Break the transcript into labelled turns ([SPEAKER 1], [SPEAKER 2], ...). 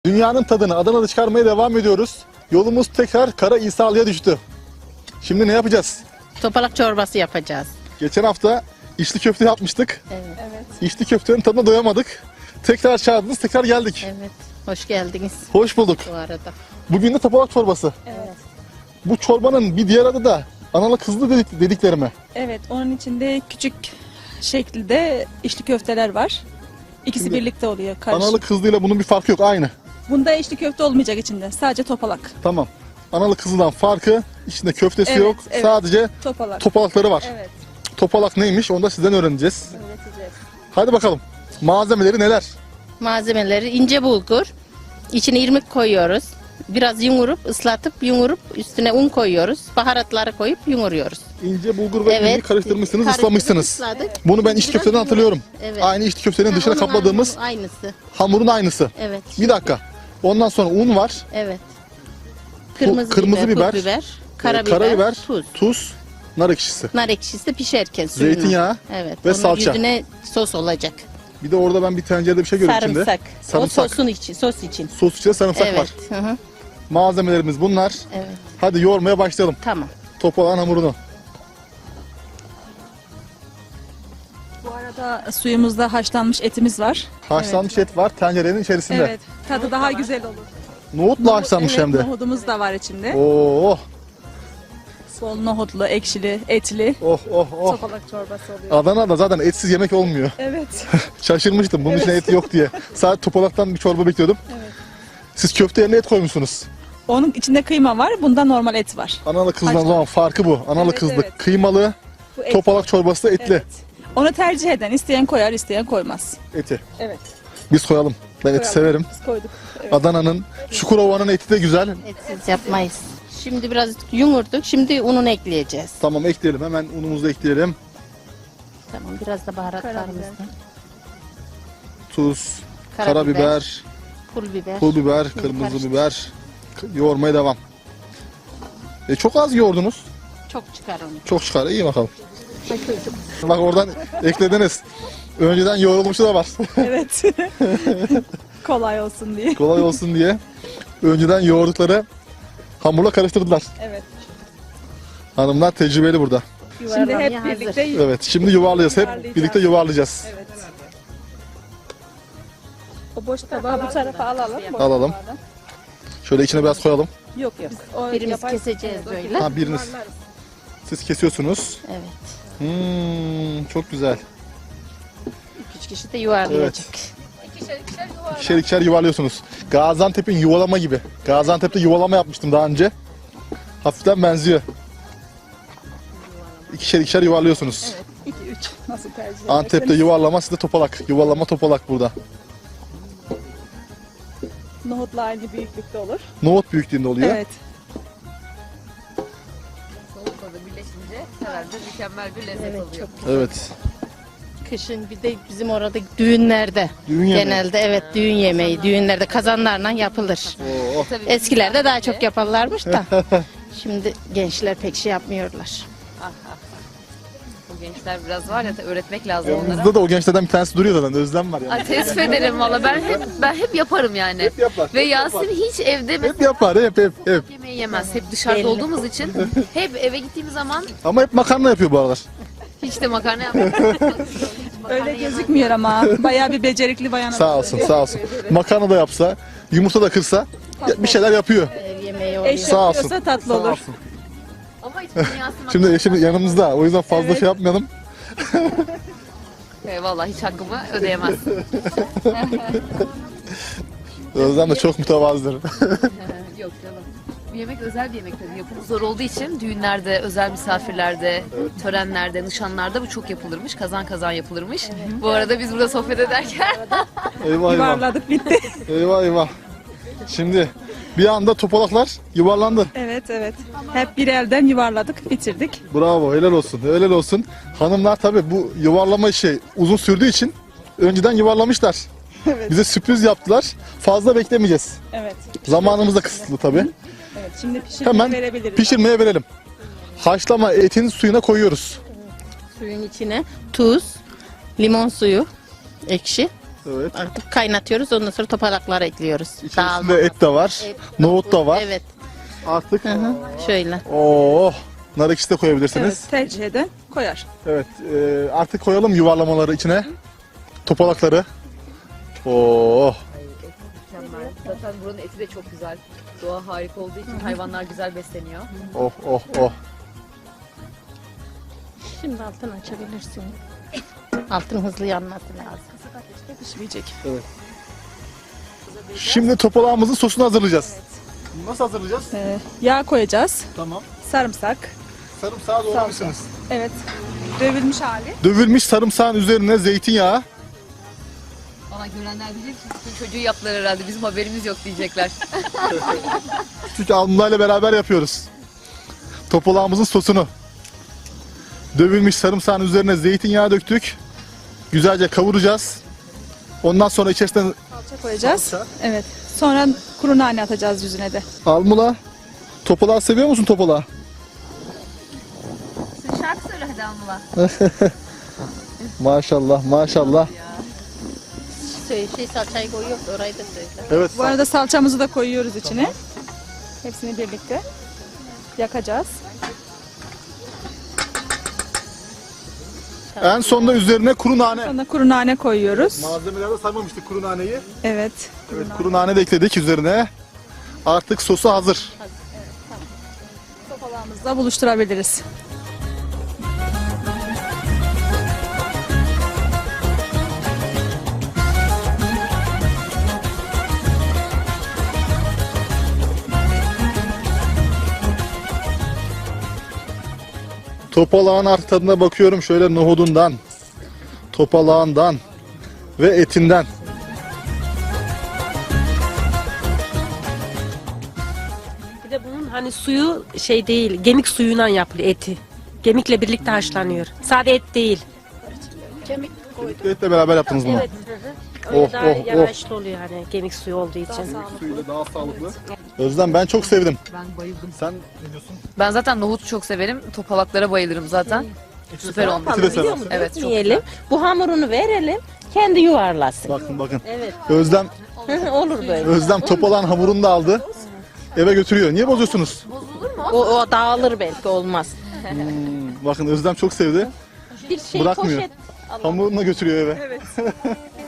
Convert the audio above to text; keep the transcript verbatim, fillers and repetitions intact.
[SPEAKER 1] Dünyanın tadını Adana'da çıkarmaya devam ediyoruz. Yolumuz tekrar Kara İsalı'ya düştü. Şimdi ne yapacağız?
[SPEAKER 2] Topalak çorbası yapacağız.
[SPEAKER 1] Geçen hafta içli köfte yapmıştık.
[SPEAKER 2] Evet.
[SPEAKER 3] Evet.
[SPEAKER 1] İçli köftenin tadına doyamadık. Tekrar çağırdınız, tekrar geldik.
[SPEAKER 2] Evet. Hoş geldiniz
[SPEAKER 1] Hoş bulduk.
[SPEAKER 2] bu arada.
[SPEAKER 1] Bugün de topalak çorbası.
[SPEAKER 3] Evet.
[SPEAKER 1] Bu çorbanın bir diğer adı da analı kızlı dedik, dedikleri mi?
[SPEAKER 3] Evet. Onun içinde küçük şekilde içli köfteler var. İkisi
[SPEAKER 1] Şimdi
[SPEAKER 3] birlikte oluyor. Karışık.
[SPEAKER 1] Analı kızlıyla bunun bir farkı yok, aynı.
[SPEAKER 3] Bunda içli köfte olmayacak içinde. Sadece topalak.
[SPEAKER 1] Tamam. Analı kızlıdan farkı, içinde köftesi
[SPEAKER 3] Evet,
[SPEAKER 1] yok.
[SPEAKER 3] evet.
[SPEAKER 1] Sadece
[SPEAKER 3] Topalak.
[SPEAKER 1] topalakları var.
[SPEAKER 3] Evet.
[SPEAKER 1] Topalak neymiş onu da sizden öğreneceğiz.
[SPEAKER 3] Öğreteceğiz.
[SPEAKER 1] Hadi bakalım. Malzemeleri neler?
[SPEAKER 2] Malzemeleri ince bulgur. İçine irmik koyuyoruz. Biraz yumurup, ıslatıp, yumurup üstüne un koyuyoruz. Baharatları koyup yumuruyoruz.
[SPEAKER 1] İnce bulgur ve
[SPEAKER 2] Evet.
[SPEAKER 1] irmiği karıştırmışsınız,
[SPEAKER 2] Karıştırdık,
[SPEAKER 1] ıslamışsınız.
[SPEAKER 2] ısladık.
[SPEAKER 1] Bunu ben içli
[SPEAKER 2] Biraz
[SPEAKER 1] köfteden
[SPEAKER 2] yumurta-
[SPEAKER 1] hatırlıyorum.
[SPEAKER 2] Evet.
[SPEAKER 1] Aynı içli köftenin dışına
[SPEAKER 2] Onun
[SPEAKER 1] kapladığımız
[SPEAKER 2] aynısı.
[SPEAKER 1] hamurun aynısı.
[SPEAKER 2] Evet.
[SPEAKER 1] Bir dakika. Ondan sonra un var,
[SPEAKER 2] Evet. Kırmızı,
[SPEAKER 1] kırmızı
[SPEAKER 2] biber,
[SPEAKER 1] biber,
[SPEAKER 2] pul biber,
[SPEAKER 1] e,
[SPEAKER 2] karabiber,
[SPEAKER 1] karabiber,
[SPEAKER 2] tuz.
[SPEAKER 1] tuz, nar ekşisi.
[SPEAKER 2] Nar ekşisi pişerken suyunu.
[SPEAKER 1] Zeytinyağı
[SPEAKER 2] Evet.
[SPEAKER 1] ve
[SPEAKER 2] onun
[SPEAKER 1] salça.
[SPEAKER 2] yüzüne sos olacak.
[SPEAKER 1] Bir de orada ben bir tencerede bir şey görüyorum içinde.
[SPEAKER 2] Sarımsak.
[SPEAKER 1] Sarımsak.
[SPEAKER 2] O sosun için, sos için.
[SPEAKER 1] Sos içinde sarımsak
[SPEAKER 2] Evet.
[SPEAKER 1] var.
[SPEAKER 2] Hı hı.
[SPEAKER 1] Malzemelerimiz bunlar.
[SPEAKER 2] Evet.
[SPEAKER 1] Hadi yoğurmaya başlayalım.
[SPEAKER 2] Tamam.
[SPEAKER 1] Topalağın hamurunu.
[SPEAKER 3] Bu arada suyumuzda haşlanmış etimiz var.
[SPEAKER 1] Haşlanmış et var tencerenin içerisinde.
[SPEAKER 3] Evet. Tadı daha güzel olur.
[SPEAKER 1] Nohutla haşlanmış
[SPEAKER 3] evet,
[SPEAKER 1] hem de.
[SPEAKER 3] Nohudumuz da var içinde.
[SPEAKER 1] Oo,
[SPEAKER 3] Bol nohutlu, ekşili, etli.
[SPEAKER 1] oh oh oh.
[SPEAKER 3] Topalak çorbası oluyor.
[SPEAKER 1] Adana'da zaten etsiz yemek olmuyor.
[SPEAKER 3] Evet.
[SPEAKER 1] Şaşırmıştım bunun içine et yok diye. Sadece topalaktan bir çorba bekliyordum.
[SPEAKER 3] Evet.
[SPEAKER 1] Siz köfte yerine et koymuşsunuz.
[SPEAKER 3] Onun içinde kıyma var. Bunda normal et var.
[SPEAKER 1] Analı kızdan
[SPEAKER 3] Haşlanmış.
[SPEAKER 1] zaman farkı bu. Analı
[SPEAKER 3] Evet,
[SPEAKER 1] kızlı
[SPEAKER 3] evet.
[SPEAKER 1] kıymalı,
[SPEAKER 3] Bu et.
[SPEAKER 1] topalak çorbası da etli
[SPEAKER 3] Evet. Onu tercih eden isteyen koyar, isteyen koymaz.
[SPEAKER 1] eti.
[SPEAKER 3] Evet.
[SPEAKER 1] Biz koyalım. Ben eti
[SPEAKER 3] Koyalım.
[SPEAKER 1] severim.
[SPEAKER 3] Biz koyduk. Evet.
[SPEAKER 1] Adana'nın, Çukurova'nın eti de güzel.
[SPEAKER 2] Etsiz yapmayız. Şimdi biraz yumurduk. Şimdi ununu ekleyeceğiz.
[SPEAKER 1] Tamam ekleyelim. Hemen unumuzu da ekleyelim.
[SPEAKER 2] Tamam. Biraz da baharatlarımızdan.
[SPEAKER 1] Tuz,
[SPEAKER 2] Karabiber,
[SPEAKER 1] karabiber,
[SPEAKER 2] Pul biber.
[SPEAKER 1] pul biber,
[SPEAKER 2] Şimdi
[SPEAKER 1] kırmızı
[SPEAKER 2] karıştır.
[SPEAKER 1] biber. Yoğurmaya devam. E çok az yoğurdunuz.
[SPEAKER 2] Çok çıkar onu.
[SPEAKER 1] Çok çıkar. İyi bakalım. Bak oradan eklediniz. Önceden yoğrulmuşu da var.
[SPEAKER 3] Evet. Kolay olsun diye.
[SPEAKER 1] Kolay olsun diye. Önceden yoğurdukları hamurla karıştırdılar.
[SPEAKER 3] Evet.
[SPEAKER 1] Hanımlar tecrübeli burada.
[SPEAKER 3] Şimdi
[SPEAKER 2] Yuvarlamaya
[SPEAKER 3] hep
[SPEAKER 2] hazır.
[SPEAKER 3] birlikte
[SPEAKER 1] Evet şimdi yuvarlayacağız. Hep
[SPEAKER 3] Yuvarlayacağız.
[SPEAKER 1] birlikte yuvarlayacağız.
[SPEAKER 3] Evet. O boş tabağı bu tarafa alalım. boş
[SPEAKER 1] Alalım.
[SPEAKER 3] tabağdan.
[SPEAKER 1] Şöyle içine biraz koyalım.
[SPEAKER 3] Yok yok. O
[SPEAKER 2] Birimiz
[SPEAKER 3] yapay-
[SPEAKER 2] keseceğiz
[SPEAKER 3] Evet, o
[SPEAKER 2] böyle.
[SPEAKER 3] gibi.
[SPEAKER 1] Ha biriniz. Siz kesiyorsunuz.
[SPEAKER 2] Evet.
[SPEAKER 1] Hmm, çok güzel.
[SPEAKER 2] Üç kişi de yuvarlayacak.
[SPEAKER 1] İkişer ikişer yuvarlıyorsunuz. Gaziantep'in yuvalama gibi. Gaziantep'te yuvalama yapmıştım daha önce. Hafiften benziyor. İkişer ikişer yuvarlıyorsunuz.
[SPEAKER 3] Evet. iki üç. Nasıl tercih ederseniz.
[SPEAKER 1] Antep'te yuvarlama, sizde topalak. Yuvarlama topalak burada.
[SPEAKER 3] Nohutla aynı büyüklükte olur.
[SPEAKER 1] Nohut büyüklüğünde oluyor.
[SPEAKER 3] Evet.
[SPEAKER 4] Soğukla da birleşince herhalde mükemmel bir lezzet
[SPEAKER 2] Evet,
[SPEAKER 4] oluyor.
[SPEAKER 1] Evet.
[SPEAKER 2] Kışın bir de bizim orada düğünlerde.
[SPEAKER 1] Düğün yemeği.
[SPEAKER 2] Genelde evet düğün yemeği. Düğünlerde kazanlarla yapılır.
[SPEAKER 1] Oo.
[SPEAKER 4] Tabii
[SPEAKER 2] Eskilerde daha çok yaparlarmış da. Şimdi gençler pek şey yapmıyorlar.
[SPEAKER 4] bu gençler biraz var ya öğretmek lazım onlara.
[SPEAKER 1] Yanımızda da o gençlerden bir tanesi duruyor zaten. Özlem var yani.
[SPEAKER 4] Ay, teessüf ederim valla ben hep ben hep yaparım yani.
[SPEAKER 1] Hep yapar.
[SPEAKER 4] Ve
[SPEAKER 1] hep
[SPEAKER 4] Yasin
[SPEAKER 1] yapar.
[SPEAKER 4] hiç evde
[SPEAKER 1] Hep
[SPEAKER 4] mesela
[SPEAKER 1] yapar, hep hep hep.
[SPEAKER 4] yemeği yemez. Hep dışarıda
[SPEAKER 2] Belli.
[SPEAKER 4] olduğumuz için hep eve gittiğimiz zaman
[SPEAKER 1] Ama hep makarna yapıyor bu aralar.
[SPEAKER 4] hiç de makarna yapmaz.
[SPEAKER 3] Öyle gözükmüyor ama bayağı bir becerikli bayan.
[SPEAKER 1] Sağ olsun, sağ olsun. Makarna da yapsa, yumurta da kırsa ya- bir şeyler yapıyor.
[SPEAKER 2] Ev yemeği oluyor.
[SPEAKER 3] Eş
[SPEAKER 1] Sağ olsun.
[SPEAKER 3] yapıyorsa tatlı
[SPEAKER 1] Sağ
[SPEAKER 3] olur.
[SPEAKER 1] olsun.
[SPEAKER 4] Ama hiç Yasin
[SPEAKER 1] Şimdi eşim yanımızda. O yüzden fazla şey yapmayalım.
[SPEAKER 4] E, vallahi hiç hakkımı ödeyemez.
[SPEAKER 1] Özlem de çok mütevazıdır.
[SPEAKER 4] Yok canım. Bu yemek özel bir yemek tabii. Yapımı zor olduğu için düğünlerde, özel misafirlerde, törenlerde, nişanlarda bu çok yapılırmış. Kazan kazan yapılırmış. Bu arada biz burada sohbet ederken
[SPEAKER 1] Eyvah eyvah.
[SPEAKER 3] Yuvarladık bitti.
[SPEAKER 1] Eyvah eyvah. Şimdi bir anda topalaklar yuvarlandı.
[SPEAKER 3] Evet evet. Hep bir elden yuvarladık, bitirdik.
[SPEAKER 1] Bravo, helal olsun, helal olsun. Hanımlar tabii bu yuvarlama işi uzun sürdüğü için önceden yuvarlamışlar.
[SPEAKER 3] Evet.
[SPEAKER 1] Bize sürpriz yaptılar. Fazla beklemeyeceğiz.
[SPEAKER 3] Evet.
[SPEAKER 1] Zamanımız da kısıtlı tabii.
[SPEAKER 3] Evet. Şimdi pişirmeye
[SPEAKER 1] Hemen
[SPEAKER 3] verebiliriz.
[SPEAKER 1] pişirmeye verelim. Haşlama etin suyuna koyuyoruz.
[SPEAKER 2] Suyun içine tuz, limon suyu, ekşi,
[SPEAKER 1] Evet.
[SPEAKER 2] Artık kaynatıyoruz. Ondan sonra topalakları ekliyoruz. Dağılma.
[SPEAKER 1] İçerisinde et de var.
[SPEAKER 2] Et.
[SPEAKER 1] Nohut da var.
[SPEAKER 2] Evet.
[SPEAKER 1] Artık
[SPEAKER 2] Hı hı. Şöyle.
[SPEAKER 1] Oo, nar ekşisi de koyabilirsiniz.
[SPEAKER 3] Evet, tercih eden koyar.
[SPEAKER 1] Evet. e, artık koyalım yuvarlamaları içine. Topalakları. Oo.
[SPEAKER 4] Mükemmel. Zaten buranın eti de çok güzel. Doğa harika olduğu için hayvanlar güzel besleniyor.
[SPEAKER 1] Oh oh oh.
[SPEAKER 2] Şimdi altını açabilirsin. Altın hızlı yanması lazım.
[SPEAKER 3] Pişmeyecek.
[SPEAKER 1] Şimdi topalağımızın sosunu hazırlayacağız. Nasıl hazırlayacağız?
[SPEAKER 3] Ee, yağ koyacağız.
[SPEAKER 1] Tamam.
[SPEAKER 3] Sarımsak.
[SPEAKER 1] Sarımsağı doğramışsınız.
[SPEAKER 3] Evet. Dövülmüş hali.
[SPEAKER 1] Dövülmüş sarımsağın üzerine zeytinyağı.
[SPEAKER 4] Bana görenler diyecek ki bütün çocuğu yaptılar herhalde. Bizim haberimiz yok diyecekler.
[SPEAKER 1] Çünkü alnılarla beraber yapıyoruz. Topalağımızın sosunu. Dövülmüş sarımsağın üzerine zeytinyağı döktük. Güzelce kavuracağız. Ondan sonra içerisine
[SPEAKER 3] Salça koyacağız.
[SPEAKER 1] Salça.
[SPEAKER 3] Evet. Sonra kuru nane atacağız yüzüne de.
[SPEAKER 1] almula. Topalağı seviyor musun topalağı?
[SPEAKER 4] Sen şarkı söyle hadi Anla.
[SPEAKER 1] Maşallah maşallah.
[SPEAKER 2] Şey, şey salçayı koyuyoruz. Orayı da söyle.
[SPEAKER 1] Evet.
[SPEAKER 3] Bu arada salçamızı da koyuyoruz içine. Hepsini birlikte yakacağız.
[SPEAKER 1] En sonda üzerine kuru nane.
[SPEAKER 3] Sonra kuru nane koyuyoruz.
[SPEAKER 1] Malzemelerde saymamıştık kuru naneyi.
[SPEAKER 3] Evet.
[SPEAKER 1] Evet, kuru nane de ekledik üzerine. Artık sosu hazır.
[SPEAKER 3] Topalağımızla buluşturabiliriz.
[SPEAKER 1] Topalağın artık tadına bakıyorum şöyle nohudundan, topalağından ve etinden.
[SPEAKER 5] Bir de bunun hani suyu şey değil, gemik suyundan yapılıyor eti. Gemikle birlikte haşlanıyor. Sade et değil.
[SPEAKER 1] Etle beraber yaptınız bunu.
[SPEAKER 5] Evet. Öyle
[SPEAKER 1] Oh,
[SPEAKER 5] daha
[SPEAKER 1] oh, oh.
[SPEAKER 5] yanaşlı oluyor hani gemik suyu olduğu için.
[SPEAKER 1] Suyuyla daha sağlıklı. Özlem ben çok sevdim.
[SPEAKER 4] Ben bayıldım.
[SPEAKER 1] Sen ne diyorsun?
[SPEAKER 4] Ben zaten nohutu çok severim. Topalaklara bayılırım zaten. Süper
[SPEAKER 1] Ne
[SPEAKER 4] olmuş.
[SPEAKER 1] yapalım biliyor
[SPEAKER 2] Biliyor
[SPEAKER 1] musun?
[SPEAKER 2] musun?
[SPEAKER 4] Evet, çok
[SPEAKER 2] Dökmeyelim. Bu hamurunu verelim. Kendi yuvarlasın.
[SPEAKER 1] Bakın bakın.
[SPEAKER 2] Evet.
[SPEAKER 1] Özlem
[SPEAKER 2] Olur böyle.
[SPEAKER 1] Özlem topalağın hamurunu da aldı. Eve götürüyor. Niye bozuyorsunuz?
[SPEAKER 2] O, o dağılır belki olmaz.
[SPEAKER 1] Hmm, bakın Özlem çok sevdi.
[SPEAKER 2] Bir şey
[SPEAKER 1] Bırakmıyor.
[SPEAKER 2] poşet.
[SPEAKER 1] Hamurunu da götürüyor eve.